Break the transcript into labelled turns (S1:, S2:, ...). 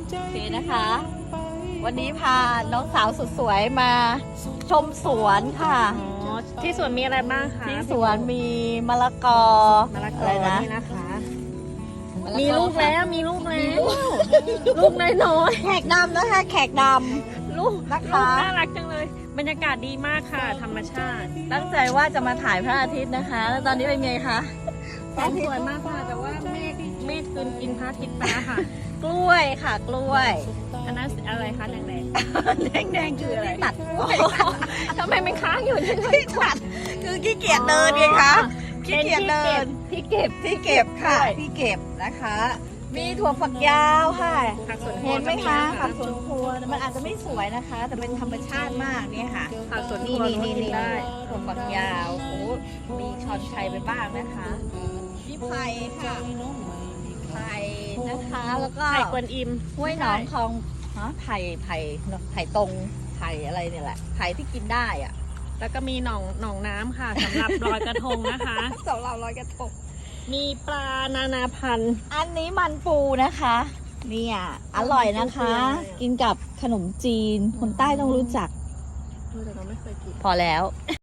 S1: โอเคนะคะ วันนี้พาน้องสาวสุดสวยมาชมสวนค่ะ
S2: อ๋อที่สวนมีอะไรบ้างคะ
S1: ที่สวนมีมะละกอ
S2: มะละก
S1: อะไร
S2: อ
S1: นะ
S2: นี่นะคะ
S1: มะะอ
S2: มีลูกแล้วมีลูกแล้วลูกน้อย
S1: แขกดำนะคะแขกด
S2: ๆลูก
S1: ำนะคะ
S2: น่ารักจังเลย บรรยากาศดีมากค่ะ ธรรมชาติ
S1: ตั้งใจว่าจะมาถ่ายพระอาทิตย์นะคะ แล้วตอนนี้เป็นไงคะ
S2: แสงสวยมากค่ะ แต่ว่าเมฆกินพระอาทิตย์ไปแล้วค่ะ
S1: กล้วยค่ะกล้วย
S2: อันนั้นอะไรคะแดง
S1: แดงๆคืออะไรตัดกล้วย
S2: ๆทำไมมันค้างอยู่ที่
S1: ที่ตัดคือขี้เกียจเดินไงคะขี้เกียจเดิน
S2: ที่เก็บ
S1: ที่เก็บค่ะที่เก็บนะคะ มีถั่วฝักยาวค่ะ
S2: ผักสวนครัว
S1: เห็นไหมคะ
S2: ก็
S1: ผักสวนครัวมันอาจจะไม่สวยนะคะ แต่เป็นธรรมชาติมากเนี่ยค่ะ
S2: ผักสวนค
S1: นี่
S2: รัว
S1: นี่
S2: ก็
S1: นี่
S2: กิน
S1: นี่
S2: ได้
S1: ถั่วฝักยาวโอ้มีช้อนชัยไปบ้างนะคะมีไผ่ค่ะไผ่นะคะแล้วก็
S2: ไข่กวนอิม
S1: ห้วยหนองคลองไผ่ตรงไผ่อะไรเนี่ยแหละไผ่ที่กินได้อะ
S2: แล้วก็มีหนองน้ำค่ะสำหรับลอยกระทงนะคะ
S1: สำหรับลอยกระทง
S2: มีปลานานาพันธุ์
S1: อันนี้มันปูนะคะเนี่ยอร่อยนะคะ กินกับขนมจีนคนใต้ต้องรู้จัก
S2: แต่เราไม่เคยกิน
S1: พอแล้ว